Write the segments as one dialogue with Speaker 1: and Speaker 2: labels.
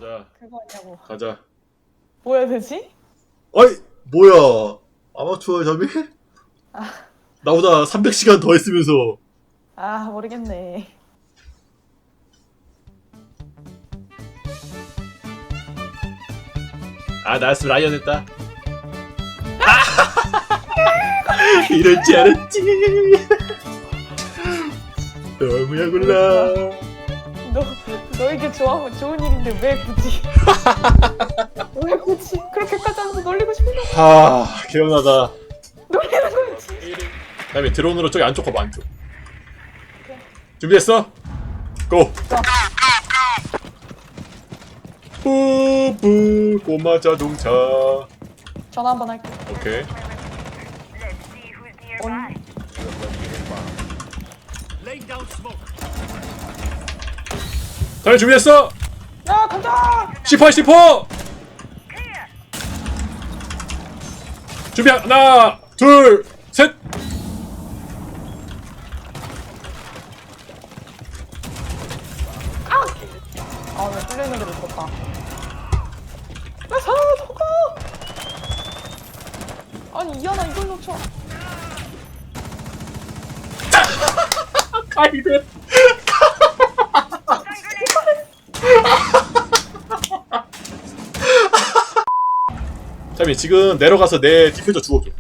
Speaker 1: 가자.
Speaker 2: 그거 아니냐고.
Speaker 1: 가자.
Speaker 2: 뭐 해야 되지?
Speaker 1: 어이, 뭐야? 아마추어 점이?
Speaker 2: 아,
Speaker 1: 나보다 300시간 더 했으면서.
Speaker 2: 모르겠네.
Speaker 1: 아, 나였으면 라이언 했다. 이럴 줄 알았지. 너무야 골라.
Speaker 2: 너에게 좋은 일인데 왜 굳이? 왜 굳이? 그렇게까지 하면서 놀리고 싶은 거
Speaker 1: 하, 개운하다.
Speaker 2: 놀리는 거지.
Speaker 1: 다음에 드론으로 저기 안쪽 가봐, 안쪽. 준비됐어? 고! 뿌뿌 꼬마 자동차.
Speaker 2: 전화 한번 할게.
Speaker 1: 오케이. 다음에 준비됐어?
Speaker 2: 야 간다.
Speaker 1: C4 준비 하나 둘 셋.
Speaker 2: 왜 뚫려 있는 데를 뒀다. 나 살아 저거. 아니 이하나 이걸 놓쳐.
Speaker 1: 가이드. 잠이 지금 내려가서 내 디퓨저 주워줘.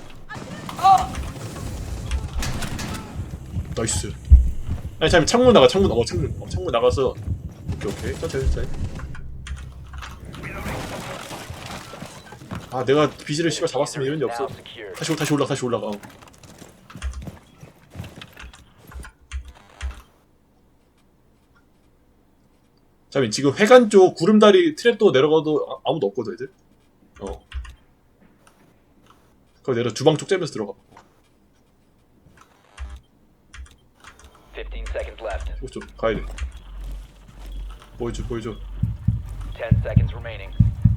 Speaker 1: 나이스. 아니 잠이 창문 나가 창문 나가서. 오케이 천천히. 아 내가 비지를 씨발 잡았으면 이런 일 없어. 다시 올라가. 잠이 지금 회관 쪽 구름다리 트랩도 내려가도 아무도 없거든 애들. 그거 내려 주방 쪽 째면서 들어가.
Speaker 3: 15 seconds left.
Speaker 1: 좀 가야 돼. 보여줘.
Speaker 3: 10 seconds remaining.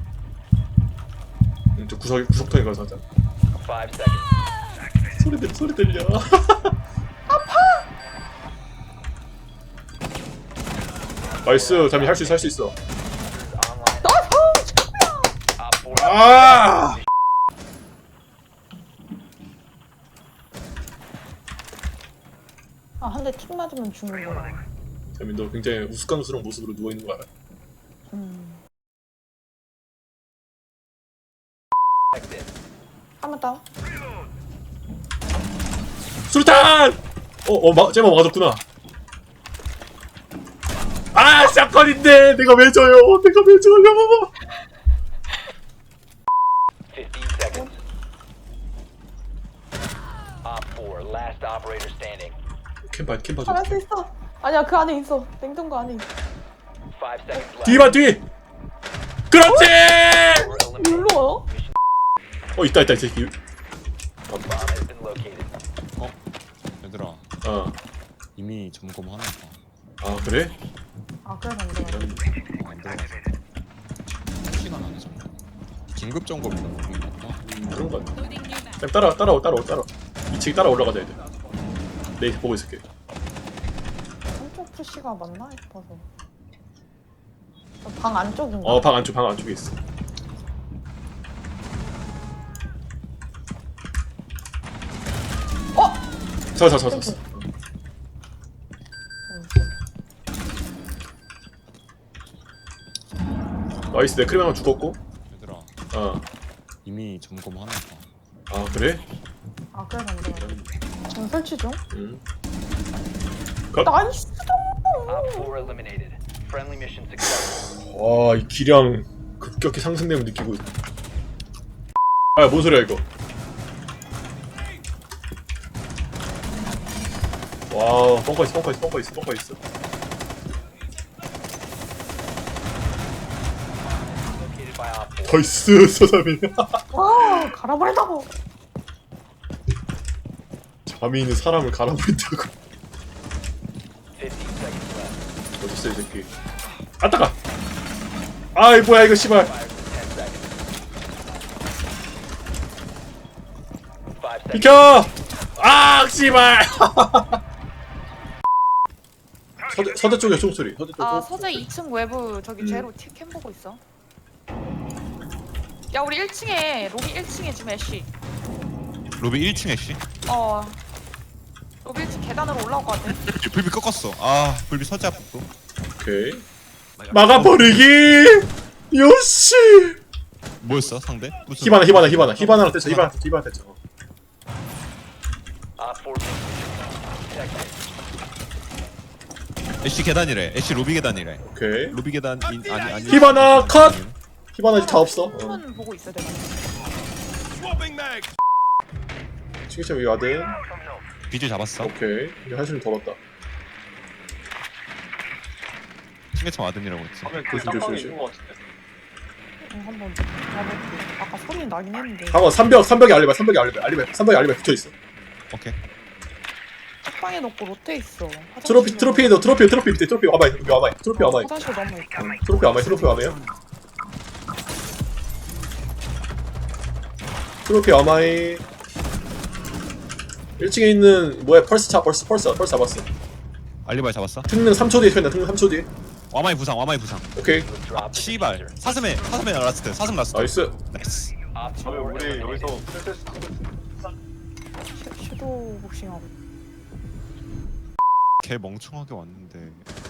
Speaker 1: 저 구석통에 가서 하자.
Speaker 3: 5 seconds.
Speaker 1: 소리 들려. 나이스. 잠이 할 수 있어.
Speaker 3: Online. Op 4.
Speaker 1: 아!
Speaker 2: 한 대 틱 맞으면 죽는 거야.
Speaker 1: 잠이 너 굉장히 우스꽝스러운 모습으로 누워 있는 거 알아?
Speaker 2: 한번 다운.
Speaker 1: 수류탄! 쟤만 맞았구나. 아, 샷건인데 내가 왜 져요?
Speaker 3: 15 seconds. Op 4, last operator standing.
Speaker 1: 캠 봐줘.
Speaker 2: 잘할 수 있어. 아니야 그 안에 있어. 냉동고 안에 있어.
Speaker 3: 5 seconds left.
Speaker 1: 뒤! 그렇지!
Speaker 3: Four eliminated.
Speaker 2: 일로 와요?
Speaker 1: 있다 이 새끼.
Speaker 3: Bomb has been located.
Speaker 4: 얘들아 이미 점검하나 봐.
Speaker 1: 아 그래?
Speaker 2: 그래서 안 돼.
Speaker 4: 안 들어갔어. 시간 안에 점검. 긴급 점검이라고 우리 같다.
Speaker 1: 그런 거 같아. 그냥 따라와. 2층 따라 올라가자 애들. 내 보고 있을게.
Speaker 2: 한쪽 푸시가 맞나 싶어서. 방 안쪽인가?
Speaker 1: 방 안쪽에 있어. 서. 나이스. 내 크림 하나 죽었고.
Speaker 4: 얘들아 이미 점검하나 봐.
Speaker 1: 아 그래?
Speaker 2: 그래서 안 돼. 지금 설치 중? 나이스.
Speaker 3: Op 4 eliminated. Friendly mission successful.
Speaker 1: 와, 이 기량 급격히 상승됨을 느끼고 있어. 뭔 소리야 이거? 와, 뻥커 있어.
Speaker 3: Located by Op 4.
Speaker 1: 나이스 서삼이.
Speaker 2: 와 갈아버린다고.
Speaker 1: 잠이 있는 사람을 갈아버린다고.
Speaker 3: 15 seconds left.
Speaker 1: 어딨어 이 새끼. 따가. 아이 뭐야 이거 씨발.
Speaker 3: Fires in 10 seconds. 5 seconds.
Speaker 1: 비켜. 아 씨발. 서대 쪽에 총소리. 서대 쪽.
Speaker 2: 아
Speaker 1: 총-
Speaker 2: 서재 2층 외부 저기 제로 캠 보고 있어. 야 우리 1층에 로비 1층에 좀 애쉬.
Speaker 4: 로비 1층 애쉬.
Speaker 2: 어. 로비 1층 계단으로 올라올 것 같아.
Speaker 4: 불비 꺾었어. 아 불비 서재 앞도.
Speaker 1: 오케이. 막아버리기. 요시.
Speaker 4: 뭐였어 상대? 무슨
Speaker 1: 히바나랑 대처. 히바나 대처.
Speaker 3: Op 4 protected.
Speaker 4: 애쉬 계단이래. 애쉬 로비 계단이래.
Speaker 1: 오케이.
Speaker 4: 로비 계단 아니.
Speaker 1: 히바나 컷. 히바나 이제 다 없어.
Speaker 2: 한번 보고 있어 내가.
Speaker 1: 칭찬 위 와든.
Speaker 4: 비주 잡았어.
Speaker 1: 오케이. 이제 한숨 덜었다.
Speaker 4: 승계참 와든이라고 했지.
Speaker 1: 조심.
Speaker 2: 한번 가볼게. 아까 소리 나긴 했는데.
Speaker 1: 강원 3벽에 알리바이 붙어 있어.
Speaker 4: 오케이.
Speaker 2: 책방에 놓고 로테 있어.
Speaker 1: 트로피 밑에 트로피 와봐요. 트로피 와봐요.
Speaker 2: 화장실 넘어 있고.
Speaker 1: 트로피 와봐요. 트로피 와마이. 1층에 있는 뭐야 펄스 잡았어.
Speaker 4: 알리바이 잡았어.
Speaker 1: 특능 3초 뒤에 펴나. 특능 3초 뒤에.
Speaker 4: 와마이 부상.
Speaker 1: 오케이.
Speaker 3: Drop the
Speaker 4: 씨발.
Speaker 3: diffuser.
Speaker 4: 사슴의 라스트. 사슴 라스트.
Speaker 1: 나이스.
Speaker 4: 나이스.
Speaker 3: Op 4 eliminated.
Speaker 2: 섀도우 복싱하고.
Speaker 4: 걔 멍청하게 왔는데.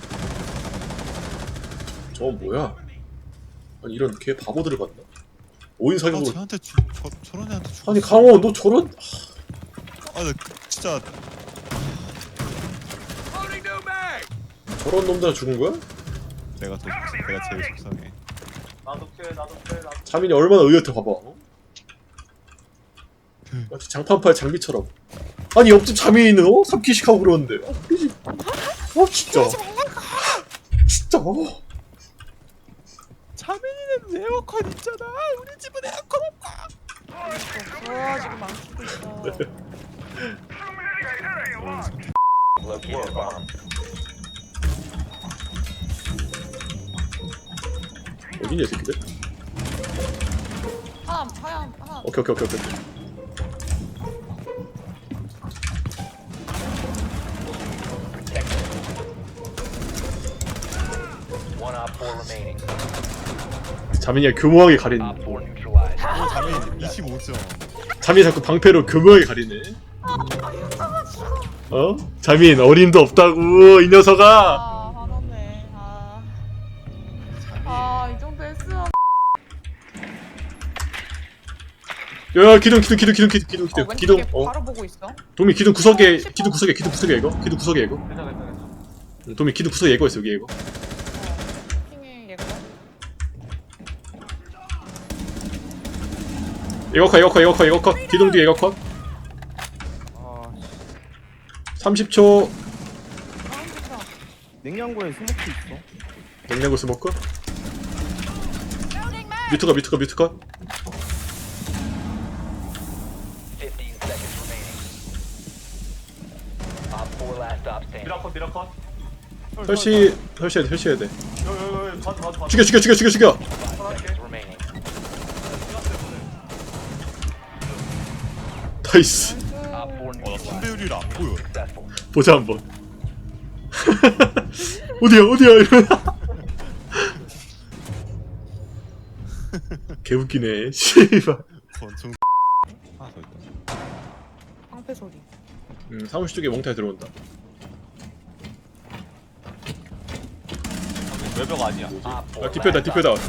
Speaker 1: 뭐야? 아니 이런 개 바보들을 봤나? 5인
Speaker 4: 아
Speaker 1: 사격으로.
Speaker 4: 쟤한테 저런 애한테 죽었어.
Speaker 1: 아니 강원 너 저런.
Speaker 4: 나 진짜
Speaker 1: 저런 놈들 죽은 거야?
Speaker 4: 내가 제일 속상해.
Speaker 1: 자민이 얼마나 의젓해 봐봐. 마치 장판팔 장비처럼. 아니 옆집 자민이는 3키씩 하고 그러는데. 진짜. 진짜.
Speaker 4: 자민이는 에어컨 있잖아. 우리 집은 에어컨 없고.
Speaker 2: 지금 망치고 있어.
Speaker 3: Located a bomb.
Speaker 1: 어디냐 이 새끼들?
Speaker 2: 하나.
Speaker 1: 오케이.
Speaker 3: One Op 4 remaining.
Speaker 1: 자민이가 교묘하게 가리네.
Speaker 3: Op 4 neutralized.
Speaker 4: 자민 25점.
Speaker 1: 자민이 자꾸 방패로 교묘하게 가리네. 자민 어림도 없다고 이 녀석아.
Speaker 2: 화났네. 이 정도 했으면.
Speaker 1: 야 기둥. 기둥.
Speaker 2: 바로 보고 있어.
Speaker 1: 도미 기둥 구석에 이거. 기둥 구석에 이거. 도미 기둥 구석에 이거 있어 여기 이거.
Speaker 2: 핑에 얘가.
Speaker 1: 이거 컷. 기둥 뒤에 이거 컷. 30초.
Speaker 5: 냉장고에 스모크 있어.
Speaker 1: 냉장고 스모크. 뮤트 컷.
Speaker 3: 15 seconds remaining. Op 4 last stop standing.
Speaker 1: 설치해야 돼. 죽여.
Speaker 3: 5 seconds remaining.
Speaker 1: 나이스.
Speaker 3: Op 4 neutralized.
Speaker 4: 선배율이 안 보여.
Speaker 3: Successful.
Speaker 1: 보자 한번. 어디야 이러면. 개웃기네. 씨발.
Speaker 4: 권총 하나 더 있다.
Speaker 2: 방패 소리.
Speaker 1: 사무실 쪽에 몽타에 들어온다.
Speaker 6: 외벽 아니야.
Speaker 3: Op 4
Speaker 1: 아 디표다.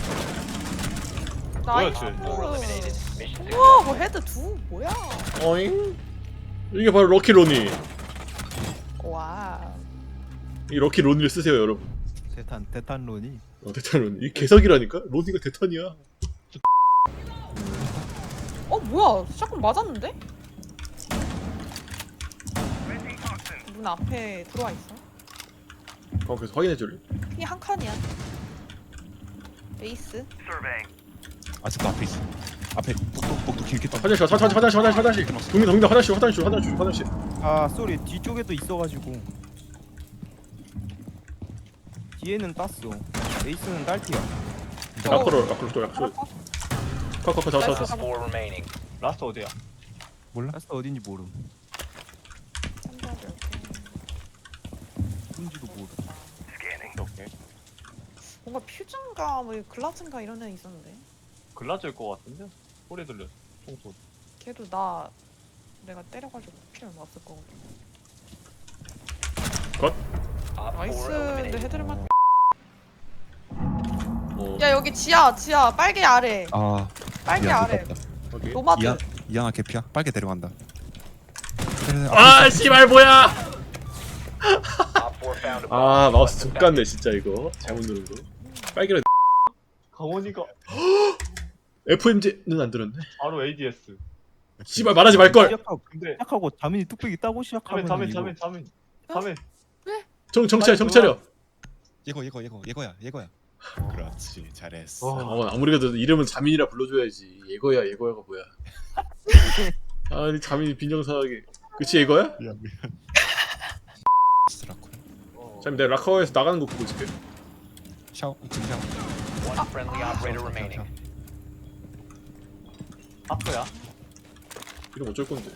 Speaker 2: 나이스.
Speaker 3: 4 eliminated. Mission
Speaker 2: 우와 뭐 헤드 두 뭐야?
Speaker 1: 어잉? 이게 바로 럭키 로니.
Speaker 2: 와.
Speaker 1: 이 럭키 로니를 쓰세요 여러분.
Speaker 5: 대탄론이.
Speaker 1: 대탄 로니. 이 개석이라니까? 로니가 대탄이야.
Speaker 2: 뭐야? 샷건 맞았는데? 문 앞에 들어와 있어.
Speaker 1: 그래서 확인해줄래?
Speaker 2: 핑이 한 칸이야. 에이스.
Speaker 4: 아직도 앞에 있어. 앞에 똑똑똑똑 길게 떠.
Speaker 1: 화장실. 동민 화장실.
Speaker 5: 아 쏘리 뒤쪽에도 있어가지고. 뒤에는 땄어. 에이스는 딸티야.
Speaker 1: 라커로 또 약속. 컷.
Speaker 3: Op 4 remaining.
Speaker 6: 라스트 어디야?
Speaker 5: 라스 어딘지 모름. 뭔지도 모름.
Speaker 2: 뭔가 퓨즈인가 뭐 글라즈인가 이런 애 있었는데.
Speaker 6: 글라즈일 것 같은데? 소리 들려. 총소리.
Speaker 2: 걔도 내가 때려가지고 피를 맞을 거거든.
Speaker 3: Op 4
Speaker 2: 나이스. 근데
Speaker 3: eliminated.
Speaker 2: 헤드를만.
Speaker 1: 어.
Speaker 2: 야 여기 지하 빨개 아래.
Speaker 4: 아
Speaker 2: 빨개
Speaker 4: 미안,
Speaker 2: 아래.
Speaker 4: 못 봤다.
Speaker 1: 오케이.
Speaker 2: 노마드.
Speaker 4: 이양아 개피야. 빨개 데려간다.
Speaker 1: 아 씨발 뭐야?
Speaker 3: Op 4 found a bomb.
Speaker 1: 아 마우스 족같네 진짜 이거. 잘못 누른 거. 빨개로
Speaker 6: 강원이가
Speaker 1: FMG는 안 들었네.
Speaker 6: 바로 ADS.
Speaker 1: 씨발 말하지 말 걸.
Speaker 6: 근데
Speaker 5: 시작하고 자민이 뚝배기 따고 시작하면
Speaker 6: 자민.
Speaker 1: 정찰 차려.
Speaker 4: 예거야. 그렇지 잘했어.
Speaker 1: 아무리 그래도 이름은 자민이라 불러줘야지. 예거야가 뭐야? 아니 자민이 빈정상하게. 그치 예거야?
Speaker 4: 미안. 스라코.
Speaker 1: 자민 내가 라커에서 나가는 거 보고 있을게.
Speaker 4: 샤워 지금 샤워.
Speaker 3: One friendly operator remaining.
Speaker 6: 아프야?
Speaker 1: 이름 어쩔 건데?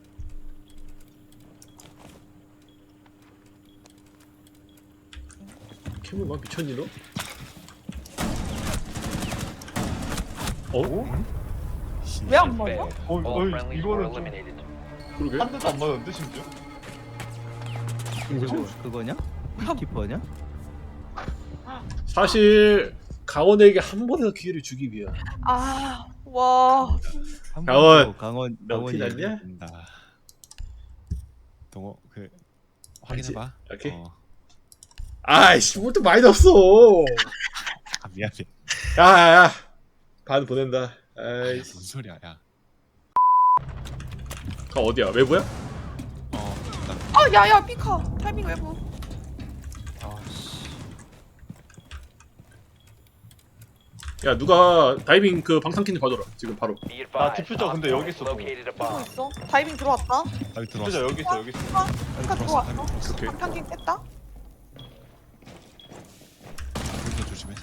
Speaker 1: 캠을 막 미쳤니 너? 어?
Speaker 2: 왜 안 맞아?
Speaker 3: All friendlies were
Speaker 6: 이거는 좀
Speaker 3: eliminated.
Speaker 1: 그러게?
Speaker 6: 한 대도 안 맞았는데 심지어?
Speaker 5: 그거냐? 키퍼냐?
Speaker 1: 사실 강원에게 한 번의 기회를 주기 위한.
Speaker 2: 와.
Speaker 1: 강원.
Speaker 5: 강원
Speaker 1: 너 티 났냐?
Speaker 4: 된다. 동호 그 확인해봐.
Speaker 1: 오케이. 아이씨 뭘 또 많이 넣었어.
Speaker 4: 아 미안해.
Speaker 1: 야야야. 반 보낸다. 아이씨.
Speaker 4: 무슨 소리야 야.
Speaker 1: 강 어디야? 외부야?
Speaker 2: 아 야야 피카 타이밍 외부.
Speaker 1: 야 누가 다이빙 그 방탄캔디 봐줘라 지금 바로.
Speaker 3: Be advised,
Speaker 6: 디퓨저 근데
Speaker 3: Op
Speaker 6: 여기
Speaker 3: 4
Speaker 6: 있어,
Speaker 3: located a
Speaker 2: 또
Speaker 3: bomb.
Speaker 2: 있어? 다이빙 들어왔다.
Speaker 4: 빨리
Speaker 6: 진짜
Speaker 4: 들어왔어.
Speaker 6: 여기 있어.
Speaker 2: 피카
Speaker 4: 들어왔어.
Speaker 2: 들어왔어.
Speaker 1: 오케이.
Speaker 2: 방탄킹 뺐다.
Speaker 4: 여기서 조심해서.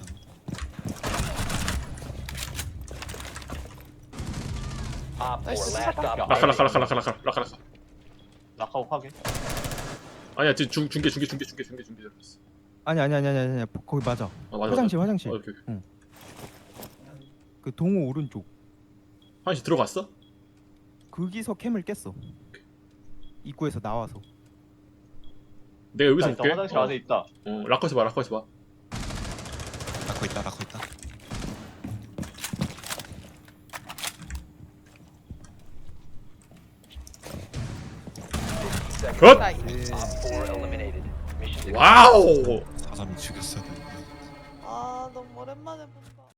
Speaker 3: Op 4
Speaker 2: 나이스,
Speaker 3: last
Speaker 2: 찾았다.
Speaker 3: op
Speaker 1: 라카.
Speaker 6: 낙하고 확인.
Speaker 1: 아니야 지금 중계 들었어.
Speaker 5: 아니 거기 맞아.
Speaker 1: 아 맞아.
Speaker 5: 화장실.
Speaker 1: 오케이.
Speaker 5: 그 동호 오른쪽.
Speaker 1: 화장실 들어갔어?
Speaker 5: 거기서 캠을 깼어. 입구에서 나와서.
Speaker 1: 내가 여기서
Speaker 6: 있다,
Speaker 1: 볼게.
Speaker 6: 화장실 안에 있다.
Speaker 1: 라커에서 봐.
Speaker 4: 라코 있다.
Speaker 1: 굿!
Speaker 2: 나이스.
Speaker 3: Op 4 eliminated. Mission successful.
Speaker 1: 와우!
Speaker 4: 사람이 죽였어.
Speaker 2: 아 너무 오랜만에 본다.